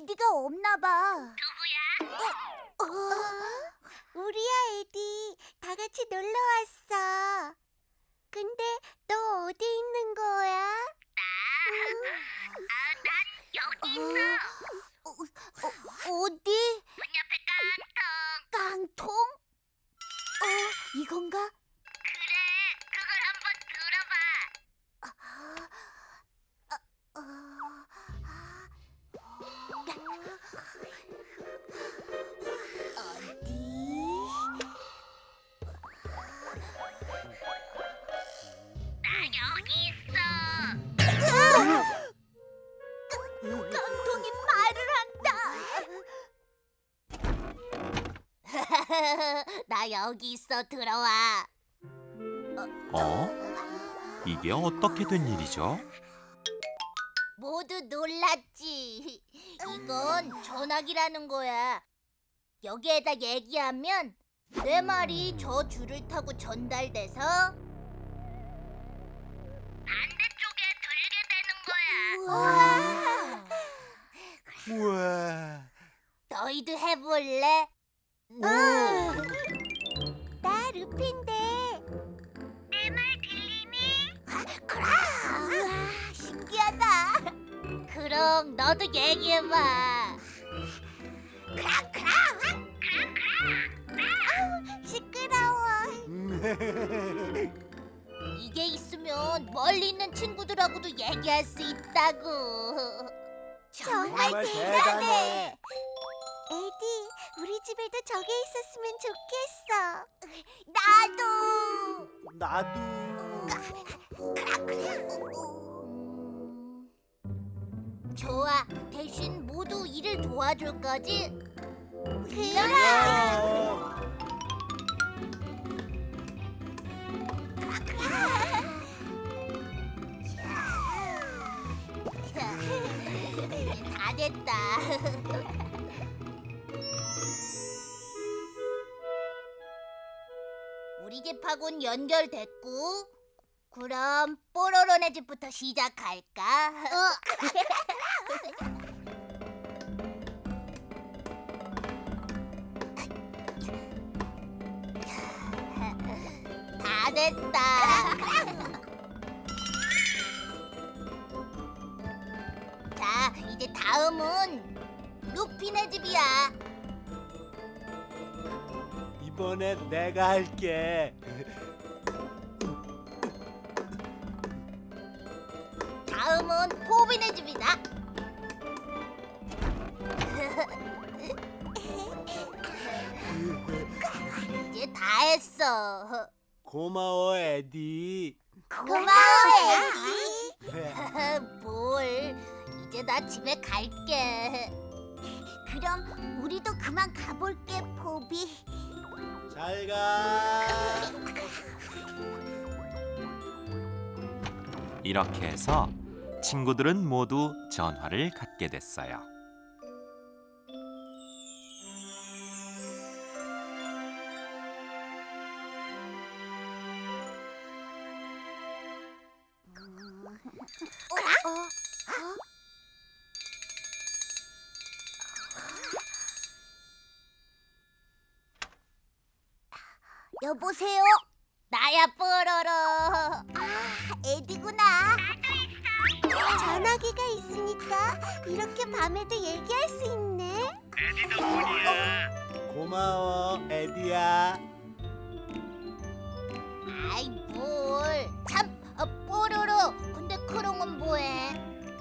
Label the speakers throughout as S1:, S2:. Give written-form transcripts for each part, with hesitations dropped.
S1: 에디가 없나 봐. 누구야? 우리야, 에디. 다 같이 놀러 왔어. 근데 너 어디 있는 거야?
S2: 난 여기 있어.
S1: 어디?
S2: 문 옆에 깡통.
S1: 깡통? 이건가?
S2: 그래, 그걸 한번 들어봐. 나 여기 있어.
S1: 깡통이 말을 한다.
S2: 나 여기 있어. 들어와.
S3: 이게 어떻게 된 일이죠?
S2: 모두 놀랐지. 이건 전화기라는 거야. 여기에다 얘기하면 내 말이 저 줄을 타고 전달돼서 반대쪽에 들리게 되는 거야.
S4: 우와.
S2: 너희도 해볼래?
S1: 나 루피인데.
S2: 내 말 들리니?
S1: 우와, 신기하다.
S2: 그럼 너도 얘기해봐.
S1: 시끄러워.
S2: 이게 있으면 멀리 있는 친구들하고도 얘기할 수 있다고.
S1: 정말 대단해. 에디, 우리 집에도 저게 있었으면 좋겠어. 나도.
S2: 좋아. 대신 모두 일을 도와줄 거지? 이제 다 됐다. 우리 집하고는 연결됐고, 그럼 뽀로로네 집부터 시작할까? 다 됐다. 자, 이제 다음은 루피네 집이야.
S4: 이번엔 내가 할게.
S2: 다음은 포비네 집이다. 이제 다 했어.
S4: 고마워, 에디.
S1: 고마워, 에디.
S2: 뭘? 이제 나 집에 갈게.
S1: 그럼 우리도 그만 가볼게, 포비.
S4: 잘 가.
S3: 이렇게 해서 친구들은 모두 전화를 갖게 됐어요.
S1: 여보세요?
S2: 나야 뽀로로.
S1: 에디구나. 전화기가 있으니까 이렇게 밤에도 얘기할 수 있네.
S4: 고마워, 에디야.
S2: 아이 뭘? 참, 뽀로로. 근데 크롱은 뭐해?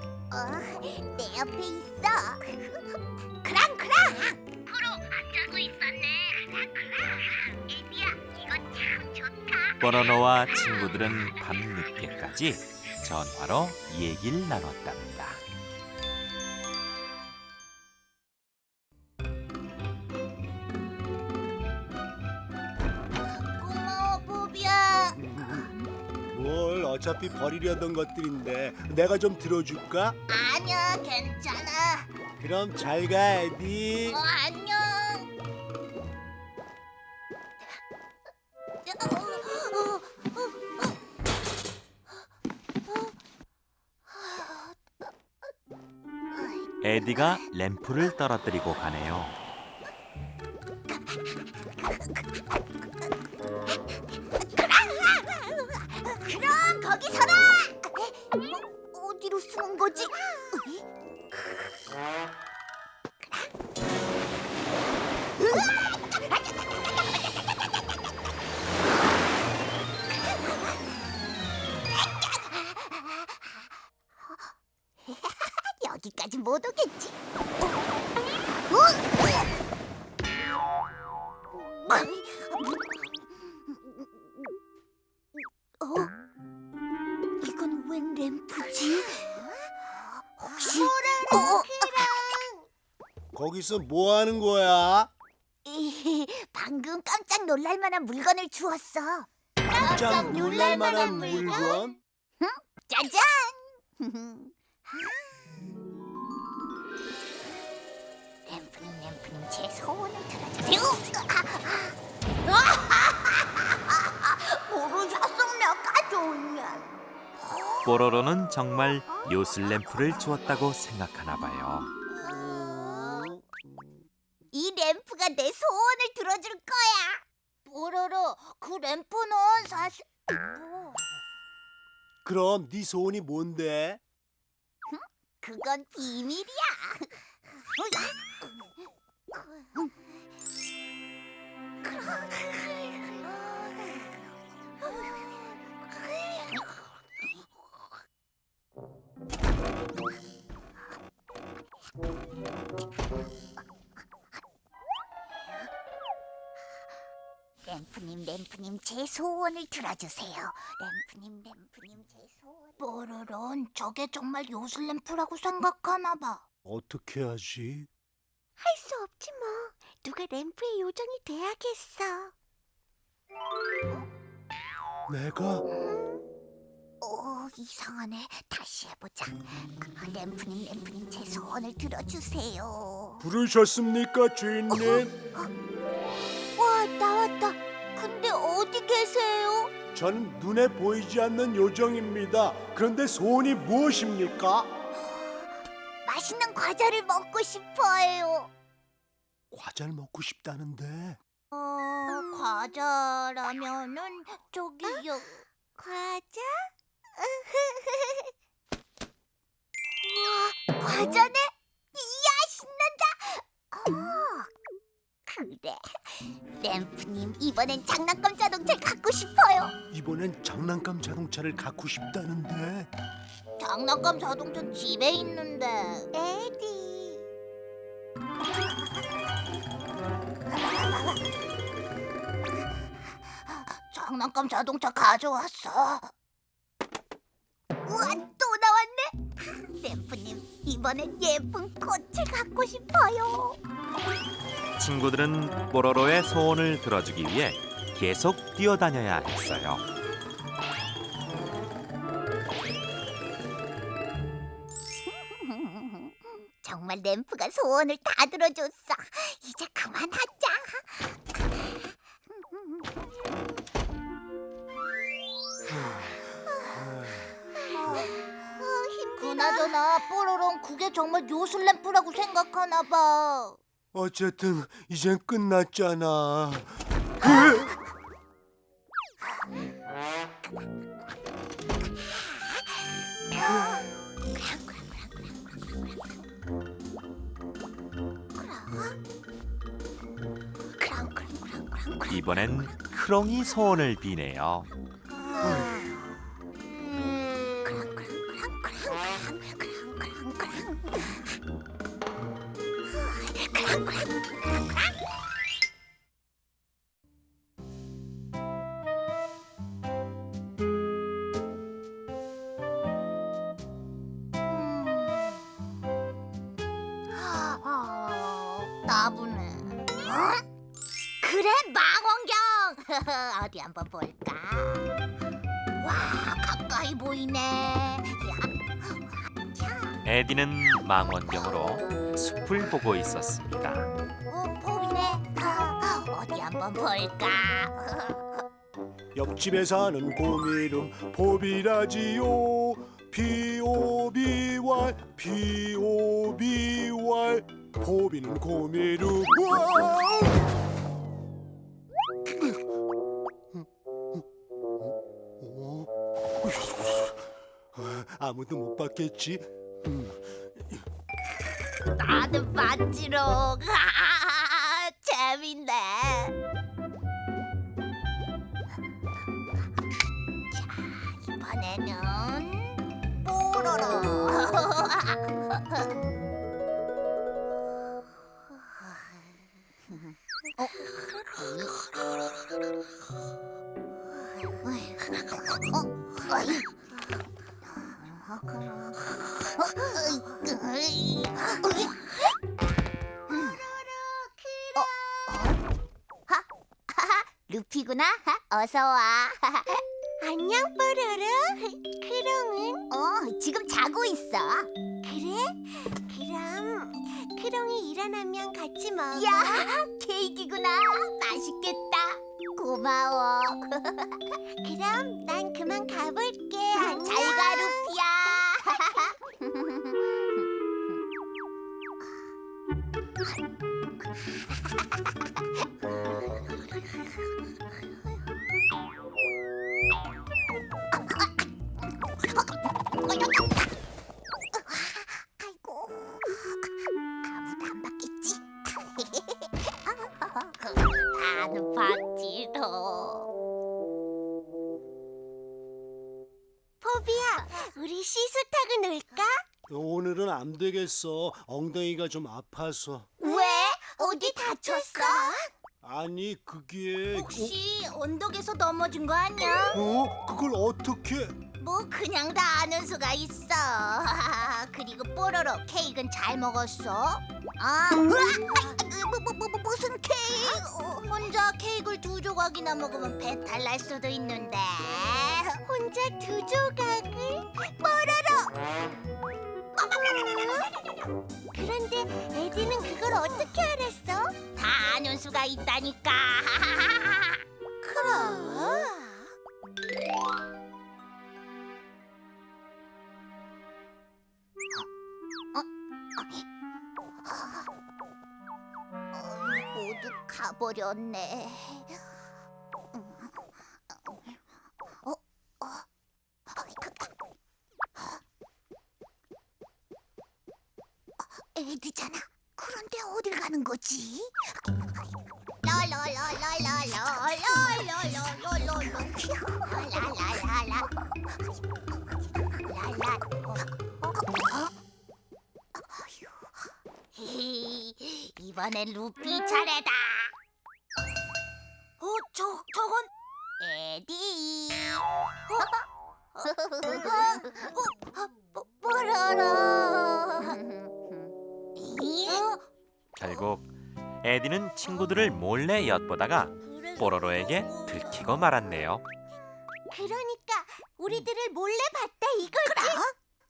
S1: 내 옆에 있어. 크랑.
S2: 크롱 안 자고 있었네. 에디야, 이거 참 좋다.
S3: 뽀로로와 친구들은 밤늦게까지 전화로 얘기를 나눴답니다.
S2: 고마워, 포비야.
S4: 뭘 어차피 버리려던 것들인데 내가 좀 들어줄까?
S2: 아니야, 괜찮아.
S4: 그럼 잘 가, 에디.
S2: 안녕.
S3: 에디가 램프를 떨어뜨리고 가네요.
S2: 그럼 거기 서라. 어디로 숨은 거지? 여기까지 못 오겠지. 이건 웬 램프지? 혹시
S4: 거기서 뭐 하는 거야?
S2: 방금 깜짝 놀랄 만한 물건을 주웠어.
S4: 깜짝 놀랄 만한 물건?
S2: 짜잔! 램프님 제 소원을 들어주세요. 모르셨으면 가져오냐?
S3: 뽀로로는 정말 요술 램프를 주었다고 생각하나 봐요.
S2: 이 램프가 내 소원을 들어줄 거야. 뽀로로, 그 램프는 사실
S4: 그럼 네 소원이 뭔데?
S2: 그건 비밀이야. 램프님 제 소원을 들어주세요. 램프님 제 소원. 뽀로론 저게 정말 요술 램프라고 생각하나 봐.
S4: 어떻게 하지?
S1: 할 수 없지 뭐. 누가 램프의 요정이 돼야겠어.
S4: 내가?
S2: 이상하네. 다시 해보자. 램프님 제 소원을 들어주세요.
S4: 부르셨습니까, 주인님?
S2: 와, 나왔다. 근데 어디 계세요?
S4: 저는 눈에 보이지 않는 요정입니다. 그런데 소원이 무엇입니까?
S2: 맛있는 과자를 먹고 싶어요.
S4: 과자를 먹고 싶다는데.
S2: 과자라면은 저기요.
S1: 과자?
S2: 우와, 과자네? 이야, 신난다. 그래. 램프님, 이번엔 장난감 자동차를 갖고 싶어요.
S4: 이번엔 장난감 자동차를 갖고 싶다는데.
S2: 장난감 자동차는 집에 있는데.
S1: 에디.
S2: 장난감 자동차 가져왔어. 우와, 또 나왔네. 램프님, 이번엔 예쁜 꽃을 갖고 싶어요.
S3: 친구들은 뽀로로의 소원을 들어주기 위해 계속 뛰어다녀야 했어요.
S2: 정말 램프가 소원을 다 들어줬어. 이제 그만하자. 그나저나 뽀로롱 그게 정말 요술 램프라고 생각하나 봐.
S4: 어쨌든 이젠 끝났잖아.
S3: 이번엔 크롱이 소원을 비네요.
S2: 나부네. 그래, 망원경. 어디 한번 볼까? 와, 가까이 보이네.
S3: 에디는 망원경으로 숲을 보고 있었습니다.
S2: 봄이네. 어디 한번 볼까?
S4: 옆집에 사는 곰이름 보비라지요. P-O-B-Y P-O-B-Y 포비는 고메르. 아무도 못 봤겠지?
S2: 나는 봤지롱. 재밌네. 자, 이번에는 뽀로로. 루피구나. 어서 와.
S1: 안녕, 뽀로로. 크롱은?
S2: 지금 자고 있어.
S1: 그래? 그럼 크롱이 일어나면 같이 먹어.
S2: 야, 케이크구나. 맛있겠다. 고마워.
S1: 그럼 난 그만 가볼게. 안녕.
S2: 잘 가, 루피야. 아이고, 아무도 안 봤겠지? 나는 봤지롱.
S1: 포비야, 우리 시소 타고 놀까?
S4: 오늘은 안 되겠어. 엉덩이가 좀 아파서.
S2: 왜? 어디 다쳤어?
S4: 아니 그게
S2: 혹시 언덕에서 넘어진 거 아니야?
S4: 그걸 어떻게?
S2: 뭐 그냥 다 아는 수가 있어. 그리고 뽀로로 케이크는 잘 먹었어? 무슨 케이크? 혼자 케이크를 2조각이나 먹으면 배탈 날 수도 있는데.
S1: 혼자 2조각을? 그런데 에디는 그걸 어떻게 알았어?
S2: 다 아는 수가 있다니까.
S1: 그럼?
S2: 모두 가버렸네. 에디잖아. 그런데 어딜 가는 거지? 이번엔 루피 차례다. 저건 에디. 뽀로로.
S3: 결국 에디는 친구들을 몰래 엿보다가 뽀로로에게 들키고 말았네요.
S1: 그러니까 우리들을 몰래 봤다 이거지?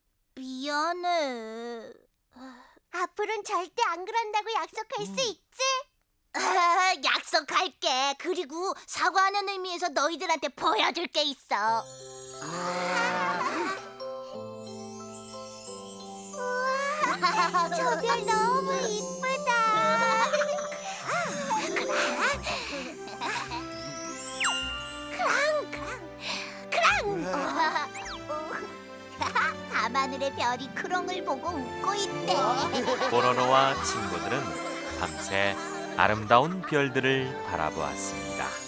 S2: 미안해.
S1: 앞으로는 절대 안 그런다고 약속할 수 있지?
S2: 약속할게. 그리고 사과하는 의미에서 너희들한테 보여줄 게 있어.
S1: 우와, 저 별 너무 이쁘다.
S2: 밤하늘의 별이 크롱을 보고 웃고 있대.
S3: 뽀로로와 친구들은 밤새 아름다운 별들을 바라보았습니다.